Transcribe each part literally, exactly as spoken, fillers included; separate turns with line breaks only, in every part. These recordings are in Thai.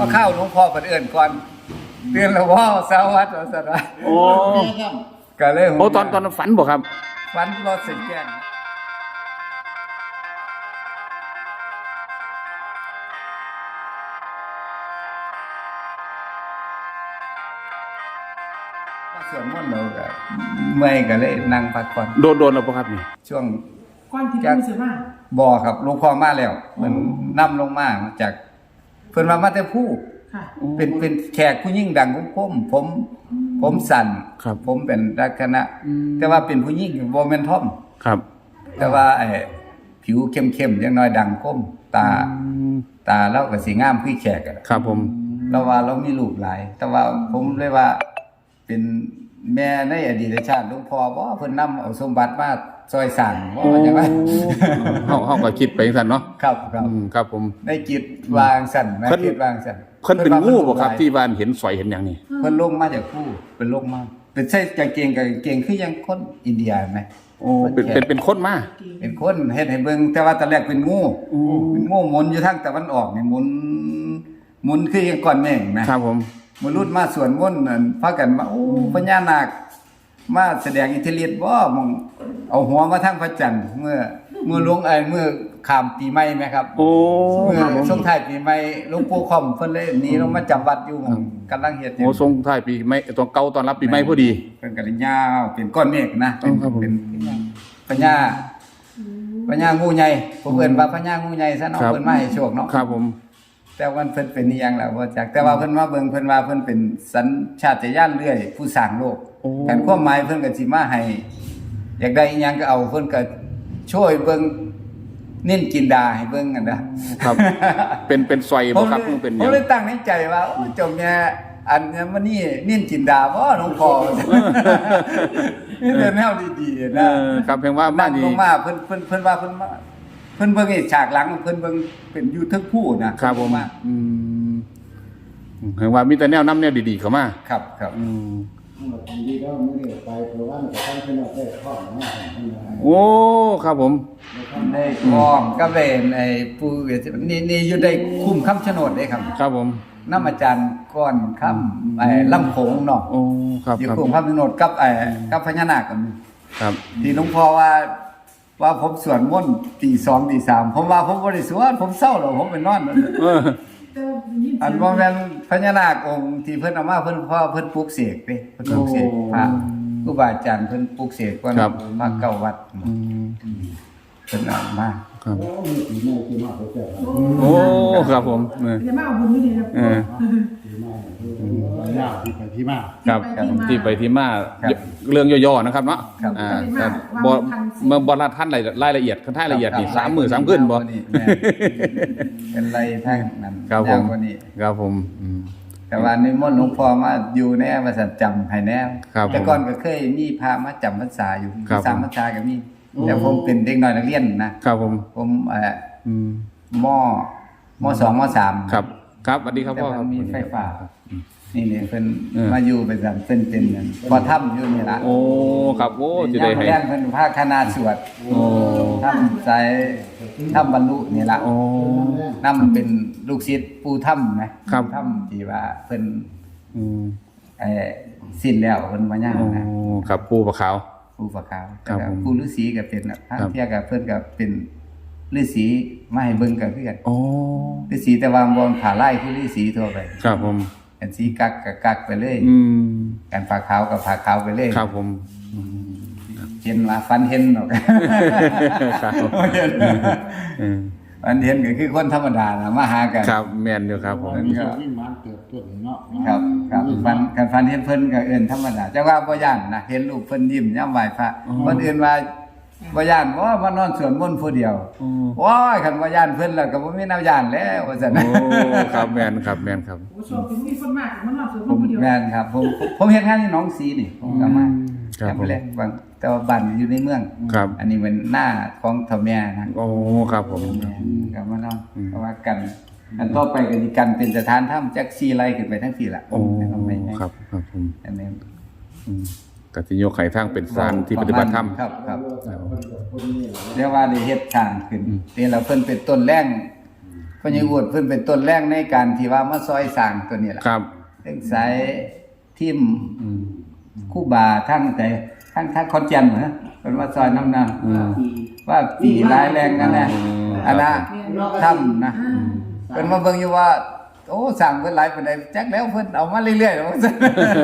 มาเข้าหลวงพ่อเอื่นก่อนเตือนแล้วว่าสวัสดิ์สวัสดิ์
โอ้
ก็เลย
โอ้ตอนตอนฝันบ่ครับ
ฝันรถเสียงแก่งส่วนมนต์เราก็เมื่อยก็เลยนั่งพักผ่อน
โดนโดนแล้วบ่ครับนี่
ช่วง
ก่อนที่ปูเสียมา
บ่อครับหลวงพ่อมาแล้วมันนำลงมาจากเพิ่นว่ามาแต่ผู้
ค่ะ
เป็นเป็นแขกผู้ยิ่งดังของผมผมผมสั่น
ครับ
ผมเป็นลักษณะแต่ว่าเป็นผู้ยิ่งบ่แม่นท่อม
ครับ
แต่ว่าไอ้ผิวเข้มๆอย่างน้อยดังคมตาตาเราก็สิงามคือแขกอะ
ครับผม
เราว่าเรามีลูกหลาย แต่ว่าผมเลยว่าเป็นแม่ในอดีตชาติหลวงพ่อบ่เพิ่นนำเอาสมบัติมาซอยสร้างบ่ว่าจังได๋
เฮาเฮาก็คิดไปจังซั่นเนาะ
ครับครับ
อืมครับผม
ในจิตวางสั่นนะ
เพิ่น
คิดวางสั่น
เพิ่นเป็นงูบ่ครับที่บ้านเห็นสอยเห็นหยังนี่
เพิ่นลงมาจากผู้เป็นลงมาเป็นใส่กางเกงกับกางเกงคือยังคนอินเดียไหม
โอ้เป็นเป็นเป็นคนมา
เป็นคนเฮ็ดให้เบิ่งแต่ว่าตอนแรกเป็นงูเป็นงูหมุนอยู่ทางตะวันออกนี่หมุนหมุนคือยังก้อนเมฆนะครับ
ผม
มนุษย์มาสวนมนต์นั่นพากันมาโอ้พญานาคมาแสดงอิทธิฤทธิ์บ่มองเอาหัวมาทางพระจันทร์เมื่อเมื่อหลวงไอ้เมื่อข้ามปีใหม่ไหมครับ
โอ้
เมื่อ
ครับผม
ช่วงท้ายปีใหม่หลวงปู่ค่อมเพิ่นเลยหนีลงมาจำวัดอยู่กำลังเฮ็ดอยู่
โอ้ทรงท้ายปีใหม่ตอนเก่าตอนรับปีใหม่พอดี
เป็นกระยาวเป็นก้อนเมฆนะเป็น
อ๋อครับผม
เป็นพญาพญางูใหญ่ผมเอิ้นว่าพญางูใหญ่ซะเนาะ
ครับ
เพิ่นมาให้โชคเนาะ
ครับผม
แต่ว่าเพิ่นเป็นอีหยังล่ะบ่จักแต่ว่าเพิ่นมาเบิ่งเพิ่นว่าเพิ่นเป็นสัญชาตญาณเรื่อยผู้สร้างโลก
โอ้
แต่ความหมายเพิ่นก็สิมาให้อยากได้อีหยังก็เอาเพิ่นก็ช่วยเบิ่งเน้นจินดาให้เบิ่งกันนะครับ
เป็นเป็นซอย
ผ
บ่
ม
ครับ
เลย
เป็นห
ผ
ยั
ม
ง
เลยตั้งในใจว่าโอ้เจมเนี่ยอันเนี้ยมันนี่เน้นจินดาบ่หลวงพ่อนี่เป็นแนวดีๆ
เอ
นะ
อครับเพียงว่ามา
นั่ง
ดี
ลงมาเพิ่นเพิ่นเพิ่นว่าเพิ่นมาเพิ่นเบิ่งไอ้ฉากหลังเพิ่นเบิ่งเป็นอยู่ทึกผู้นะครับ
ผม
มา
อืมเห็นว่ามีแต่แนวน้ำแนวดีๆเข้ามา
ครับครับ
อืม
ดีแล้วไม่ได้ไปเพราะว่ามันจะทำให้เราได้ข้อมากขึ้น
โอ้ครับผม
ได้พร้อมกับเวนไอ้ปู่เวทนี่นี่อยู่ได้คุ้มคำชะโนดเด้ครับ
ครับผม
น้ำอาจารย์ก้อนคำไอ้ลำโขงเนาะ
โอ้ครับ
อยู่
ครับ
คุ้มคำชะโนดกับไอ้กับพญานาคกัน
ครับ
ที่หลวงพ่อว่าว่าผมสวดมนต์ตีสองตีสามผมว่าผมบริสวดผมเศร้าแล้วผมไปนอน
เออ
แต่ว่ายิน
อันว่าแม่นพญานาคองค์ที่เพิ่นเอามาเพิ่นพ่อเพิ่นปลูกเสกเด้เพิ่นปลูกเสกพระครูบาอาจารย์เพิ่นปลูกเสกก่อนมาเก้าวัด
อืม
เพิ่นเอามา
ครับ
โอ้มีปีใหม่ที่มากเขาเจอ
โอ้ครับผมเออ
จะมาเอาบุญนี่นะ
เออ
ปีใหม่ยากที่ไปที่มา
ครับที่ไปที่มาเรื่องย่อๆนะครับเนาะอ่าแต่บ่เมื่อบ่ละท่านรายรายละเอียดคันท้ายละเอียดนี่สามมื้อสามคืนบ่
นี่แม่เป็นไรทางนั้น
ครับผม
ยาวกว่านี้
ครับผมอืม
แต่ว่านิมนต์หลวงพ่อมาอยู่ในว่าสัจจำให้แน่
ครับ
แต่ก่อนก็เคยมีพามาจำพรรษาอยู่
ครับ
สามพรรษาก็มีแต่ผมเป็นเด็กน้อยนักเรียนนะครับ
ผม
ผมเอ่อ
อืม
มมสองมสาม
ครับ ครับสวัสดีครับ
แต่
พ่อค
มั
รับ
นมีไฟฟ้านี่นี่เพิ่น
เออ
มาอยู่เป็นแบบเป็นเป็นนั่นพอถ้ำอยู่นี่ล่ะ
โอ้ครับโอ้จะได้ให้
ย่างเพิ่นพาคณะสวด
โอ้
ถ้ำใจถ้ำบรรลุนี่ล่ะ
โอ้
นำเป็นลูกศิษย์ปู่ถ้ำนะครับ ถ้ำที่ว่าเพิ่น
อืม
เอ่อสิ้นแล้วเพิ่นมาย่าง
โอ้
นะครับ
ปูปลาขาว
ปู่ปะขาว
ครับ
แล้ว
ผม
ปู่ฤาษีก็เป็นน่ะทาง
ครับ
เที่ยก็เพิ่นก็เป็นฤาษีมาให้เบิ่งกันคือกัน
โอ้
ฤาษีแต่ว่าบ่ผ่าไล่คือฤาษีทั่วไป
ครับผม
อันสีกักก็กักไปเลย
อืม
การผ่าขาวก็ผ่าขาวไปเลย
ครับผม
เห็นว่าฟันเห็นเนาะ
ครับ
เห็น
อืม
ฟันเห็นก็คือคนธรรมดาน่ะมาหากัน
ครับแมนอยู่ครับผม
มีส่วนยิ่งมันเติบโตเนาะ
ครับครับฟันกันฟันเห็นเพิ่นก็เอิ้นธรรมดาแต่ว่าบ่ย่านนะเห็นรูปเพิ่นยิ้มยามไหว้พระคนอื่นว่าบ่ย่านว่ามานอนสวดมนต์ผู้เดียว
โอ้
ว้ายคันบ่ย่านเพิ่นแล้วก็บ่มีแนวย่านแล้วว่าซั่น
โอ้ครับแมนครับแมนครับ
โอ้โชคเป็นมีคนมากมันนอนสวด
ผม
คนเดียว
แม่นครับผมผมเฮ็ดงานที่หนองสีนี่ผมก็มา
ครับผม
แรกบางแต่ว่าบ้านอยู่ในเมือง
ครับ
อันนี้เป็นหน้าของเฒ่าแม่นะ
โอ้ครับผม
ก็มานอน
อืม
เพราะว่ากัน อันต่อไปก็สิกันเป็นสถานถ้ำจักซี่ไร่ขึ้นไปทั้งสี่ล่ะ
โอ้
นะครับไม่ไม่
ครับครับผม
อันนี้
อืมกสิโยกไข่ทางเป็นสถานที่ปฏิบัติธรรม
ครับครับ
คนกับคนนี่
เรียกว่าได้เฮ็ดทางขึ้น
อืม
นี่เราเพิ่นเป็นต้นแรงพญาวุฒิเพิ่นเป็นต้นแรกในการที่ว่ามาซอยสร้างตัวนี้ล่ะ
ครับ
เรื่องสายทิม
อืม
คู่บาทั้งแต่ทั้งทั้งคอนแก่นนะเพิ่นว่าซอยน้ำนำ
อืม
ว่าปีร้ายแรงนั่นแหละ
อืม
อันน่ะถ้ำนะเพิ่นมาเบิ่งอยู่ว่า โอ้สั่งเพิ่นหลายปานใดจักแล้วเพิ่นเอามาเรื่อยๆว่าซั่น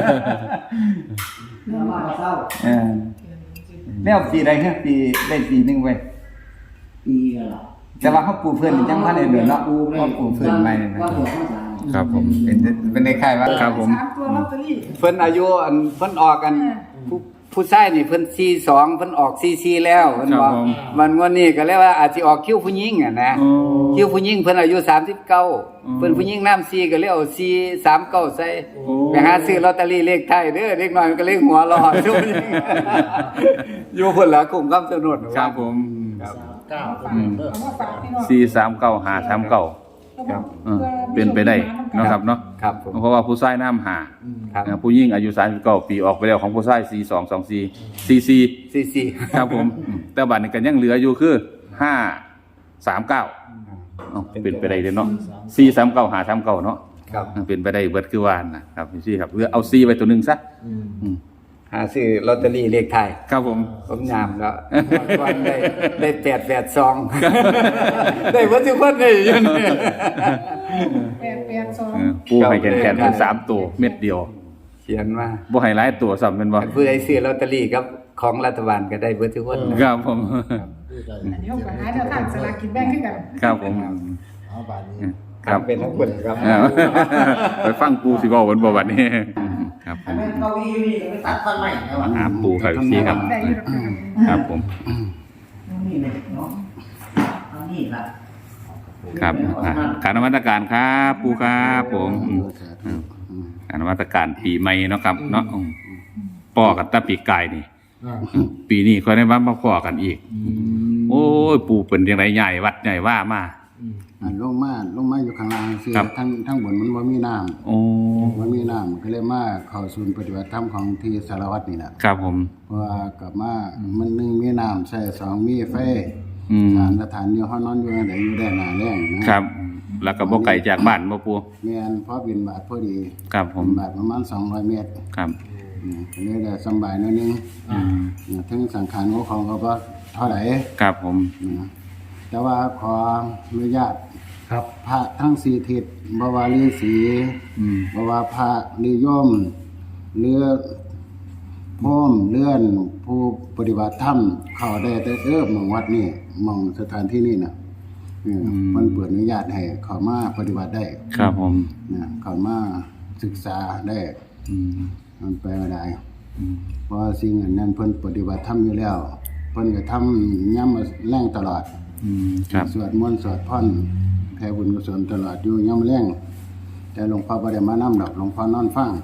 แล้วมาเศร้า
เออแล้วปีใดฮะปีได้ปีหนึงไว้
ปีกันหรอ
แต่ว่าเขาปลูกเพิ่นนี่จังพันได้เดือนเนาะเขาปลูกเพิ่นใหม่นะ
ว่าหัวข้าวสาร
ครับผม
เป็นเป็นในค่ายว่า
ครับผม
สามตัวลอตเตอรี่
เพิ่นอายุอันเพิ่นออกกันผู้ผู้ชายนี่เพิ่นสี่สิบสองเพิ่นออกสี่สิบสี่แล้วเพิ่น
ครับ
บอก
ผม
มันงวดนี้ก็เรียกว่าอาจสิออกคิวผู้หญิงอ่ะนะ
อ๋อ
คิวผู้หญิงเพิ่นอายุสามสิบเก้า
อืม
เพิ่นผู้หญิงน้ำสี่ก็เลยเอาสี่สามเก้าใส่
โอ้
ไปหาซื้อลอตเตอรี่เลขไทยเด้อเด็กน้อยมันก็เลขหัวรออยู่อยู่เพิ่นละกลุ่มคำสนุน
ครับผม
ครับ
เก้า
เอามาฝากเอามาฝากพี่น้อง
สี่สามเก้าห้าสามเก้า
ครับ
เออเป็นไปได้เนาะครับเนาะ
ครับผม
เพราะว่าผู้ชายน้ำหา
ครับ
เอ่อผู้หญิงอายุสามสิบเก้าปีออกไปแล้วของผู้ชายสี่สองสองสี่สี่สี่
สี่สี่
ครับผมอืมแต่บัตรนี้ก็ยังเหลืออยู่คือห้าสามเก้าเป็นไปได้เลยเนาะสี่สามเก้าหาสามเก้าเนาะ
ครับ
เป็นไปได้เบิดคือวานนะครับพี่ซี่ครับเลือกเอาซีไปตัวหนึ่งซะอืม
หาซื้อลอตเตอรี่เลขไทย
ครับผม
ผมยามแล้วก่อนได้ได้แปดแปดสองได้วัตถุพันธ์ได้อยังนี่
แปดแปดสอง
เออปูให้แขนแขนเป็นสามตัวเม็ดเดียว
เขียนมา
บ่ให้หลายตัวซ้ำเป็นบ่
ผู้ใดซื้อลอตเตอรี่กับของรัฐบาลก็ได้วัตถุพันธ์นะครับ
ผม
อันนี้เขาก็หาแนวทางสลากกินแบ่งขึ้นกัน
ครับผม
เอาบาทนี้
ครับ
เป็นทั้งคนครับ
เออไปฟังปูสิเว้าบนบ่บัดนี้ครับผ
อัน
ม
นั้นเก้าอี้นี่ก็ไปตัดต้นไม้แล้วอ่ะ
หาปูครับพี่ซี่ครับ
ได้อยู่แล้วกัน
ครับผม
นี่เลยเนาะเอานี่ละ
ครับอ่ะการนมัสการครับปูครับผมอืมอืมการนมัสการปีใหม่เนาะครับเนาะอืมป้อกันแตะปีกายนี่
อ่า
ปีนี้ค่อยได้มามาพ้อกันอีก โอ้ยปู่เป็นจังไดใหญ่วัดใหญ่ว่ามา
อันลงมาลงมาอยู่ข้างล่างสิ
ครับ
ทั้งทั้งบนมันบ่มีน้ำ
โอ้
บ่มีน้ำก็เลยมาเข้าศูนย์ปฏิบัติธรรมของที่สารวัตรนี่แหละ
ครับผม
เพราะว่ากลับมามันหนึ่งมีน้ำใส่สองมีไฟ
อืม
สามสถานอยู่ห้องนอนอยู่ไหนอยู่ได้หนาแรงนะครับ
แล้วก็บ่ไกลจากบ้านบ่ปู่
แม่นพอบินบาทพอดี
ครับผม
บินบาทประมาณสองร้อยเมตร
ครับ
อืมก็เลยได้สำบายหนิดนึง
อืม
นะถึงสังขารของเขาก็บ่เท่าไหร่
ครับผม
นะแต่ว่าขออนุญาต
ครับ
พระทั้งสี่ทิศบวารีสี
อืม
บวาพระนิยมเลือพร้อมเลื่อนผู้ปฏิบัติธรรมเข้าได้แต่เออหมองวัดนี่หมองสถานที่นี่น่ะเออมันเปิดอนุญาตให้เข้ามาปฏิบัติได้
ครับผม
นะเข้ามาศึกษาได้
อืม
มันไปไม่ได้
อืม
เพราะสิ่งอันนั้นเพิ่นปฏิบัติธรรมอยู่แล้วเพิ่นก็ทำย่ำแรงตลอด
อืมครับ
สวดมนต์สวดพรแผ่บุญกุศลตลอดอยู่ย่ำแรงแต่หลวงพ่อบ่ได้มานำดอกหลวงพ่อนอนฟัง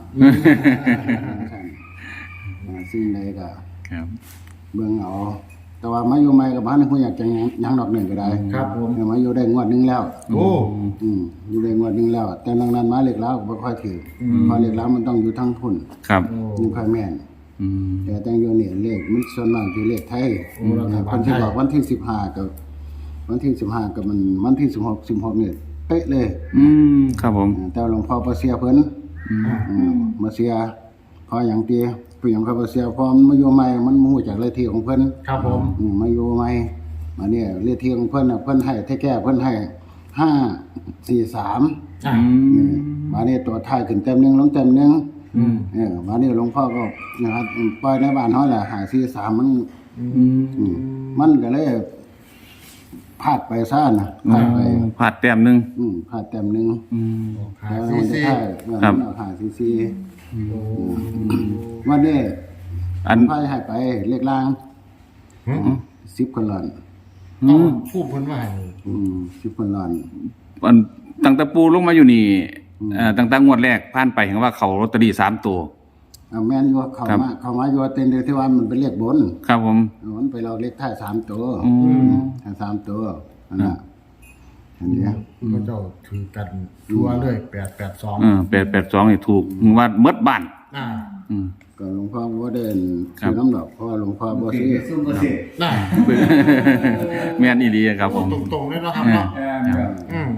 อ่าสิ่งใดก็
ครับ
เบิ่งเอา แต่ว่ามาอยู่ใหม่ก็บ่ทันฮู้อยากจะหยังหยังดอกหนึ่งก็ได้
ครับผม
เออมาอยู่ได้งวดหนึงแล้ว
โอ้
อืมอยู่ได้งวดหนึงแล้ว แต่นอกนั้นมาเล็กแล้วก็บ่ค่อยถืออเพราะเล็กแล้วมันต้องอยู่ทั้งพุ่น
ครับ
ยังค่อยแม่น
อืม
แต่แต่งอยู่นี่เลขมันส่วนมากที่เลขไทย
โอ้รัฐบาลไทย
คนที่บอกวันที่สิบห้ากับวันที่สิบห้ากับมันวันที่สิบหกสิบหกนี่เป๊ะเลย
อืมครับผม
แต่หลวงพ่อบ่เสียเพิ่น
อืม
อืมมาเสียเพออย่างตีเปลี่ยนเขาบ่เสียเพอมันมาอยู่ใหม่มันบ่ฮู้จักเลขที่ของเพิ่น
ครับผม
อืมมาอยู่ใหม่มาเนี่ยเลขที่ของเพิ่นน่ะเพิ่นให้แท้แก้เพิ่นให้ห้าสี่สาม
อ่า
อืม
มาเนี่ยตัวท้ายขึ้นเต็มหนึงลงเต็มหนึง
อืม
เออมาเนี่ยหลวงพ่อก็นะครับปล่อยในบ้านเฮาแหละหาสี่สามมัน
อืม
อืมมันก็เลยพลาดไปซ่านะพลาดไป
ผาดแต้มหนึง
อืมพลาดเต็มหนึง
อืม
หา
แล้ว
ซี
มันจะ
ซี
ได้เออ
ครับ
มันเอาหาซีซี
โอ้
วันนี้
อัน
ไพ่ให้ไปเลขล่าง
หืม
สิบคนหลอน
เอาพูดเพิ่นว่าให้
อืมสิบคนหลอน
อันตั้งแต่ปูลงมาอยู่นี่เอ่อตั้งแต่งวดแรกผ่านไปเห็นว่าเขาลอตเตอรี่สามตัว
เอาแม่นอยู่เข้า
ครับ
มาเข้ามาอยู่เต็นเดียวที่ว่ามันเป็นเลขบน
ครับผม
มันไปเราเลขท้ายสามตัว
อืม
ท้ายสามตัวอันน่ะอันนี้
ก็เจ้าถือกันทั่วเลยแปดแปดสอง
เออแปดแปดสองนี่ถูกว่าเมดบ้าน
อ่า
อืม
ก็หลวงพ่อบ่ได้
ครั
ซื้อบ น้ำดอกเพราะว่าหลวงพ่อบ่ซื้อ
ซุ่มบ่ซื้อ
น่า
แม่นอีหลีครับผม
ตรงๆเลยเนาะครับเนาะอืม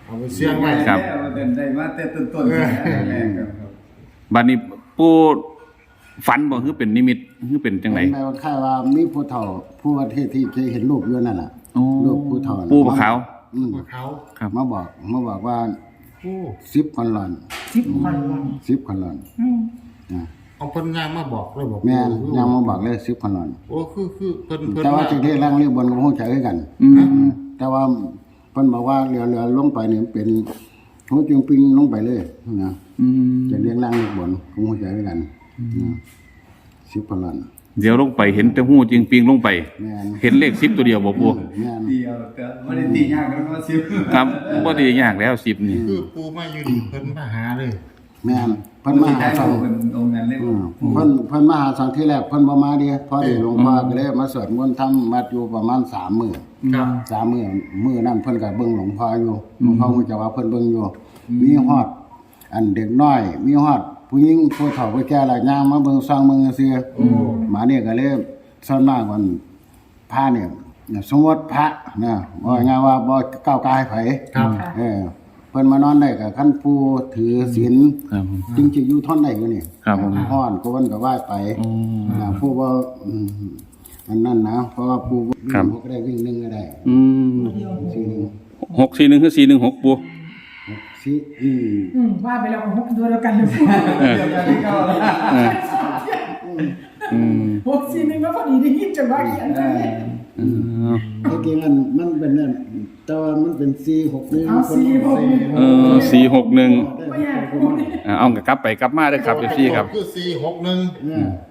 เอาไปเสี่ยงไว้
ครับ
เดินได้มาแต่ต้นๆแม่ครับ
บัดนี้ปู่ฝันบ่คือเป็นนิมิตคือเป็นจังได๋
แม่ว่าค่ายว่ามีผู้เฒ่าผู้ว่าที่ที่เคยเห็นรูปอยู่นั่นน่ะ
โอ้
รูปผู้เฒ่าน่ะ
ปู่บ่ขาว
อืม
พวกเขา
ครับ
มาบอกมาบอกว่า
โอ้
สิบคนหลอน
สิบคนวัน
สิบคนหลอน
อืม
นะ
เอาเพิ่นย่างมาบอกเลยบอก
แม่นยังมาบอกเลยสิบคนหลอน
โอ้คือคือเพิ่นเพิ่น
แต่ว่าที่ที่แรงเรียกบนก็บ่ฮู้จักคือกัน
อืม
อืมแต่ว่าเพิ่นบอกว่าเรือเรือลงไปนี่เป็นหูจึงปิงลงไปเลยนะ
อืม
จะเรียงล่างเรียกบนก็บ่ฮู้จักคือกันนะสิบคนหลอน
เดี๋ยวลงไปเห็นแต่หูจริงปิงลงไป
แม่น
เห็นเลขสิบตัวเดียวบ่ปู่
แม่น
เดียวแต่บ่ได้ตียากแล้วก็สิบ
ครับบ่ได้ยากแล้วสิบนี่
คือปูมาอยู่นี่เพิ่นมาหาเลย
แม่นเพิ่นมาหาสอง
เป็นองค์นั้นเลย
อืมเพิ่นเพิ่นมาหาสองที่แรกเพิ่นบ่มาเดิพอดีหลวงพ่อก็เลยมาสวดมนต์ทำวัดอยู่ประมาณสามมื้อ
ครับ
สามมื้อมื้อนั้นเพิ่นก็เบิ่งหลวงพ่ออยู่หลวงพ่อฮู้จักว่าเพิ่นเบิ่งอยู่มีฮอดอันเด็กน้อย มีฮอดผู้หญิงผู้เฒ่าผู้แก่หลายอย่างมาเบิ่งซองเบิ่งซื่อๆมาเนี่ยก็เลยส่วนมากมันพระเนี่ยสมมติพระนะว่าง่ายว่าบ่ก้าวกายไผ
ครับ
เออเพิ่นมานอนได้ก็คันผู้ถือศีล
ครับผม
จริงจะอยู่ทนได้อยู่นี่
ครับผม
ฮ้อนก็วันก็ว่าไป
อืม
นะผู้ว่าอืมอันนั้นนะเพราะว่าผู้วิ่ง
ครับ
หกก็ได้วิ่งหนึ่งก็ได้
อืม
สี่หนึ่ง
หกสี่หนึ่งคือสี่หนึ่งหกปู่
สี่อืม
อืมว่าไปแล้วก็หกตัวแล้วกันเลย
เออ
เดียวกันที่เก่าแล้ว
เอออืม
หกสี่หนึ่งก็พอดีได้ยินจนว่าเขียนไปเลย
เออ
ไอ้จริงมันมันเป็นนั่นแต่ว่ามันเป็นสี่หกหนึ่ง
เอาสี่หกหนึ่ง
เออสี่หกหนึ่ง
ไม่อยากพูด
เอากลับไปกลับมาได้อครับเอฟซีครับ
คือสี่หกหนึ่ง
เนี่ย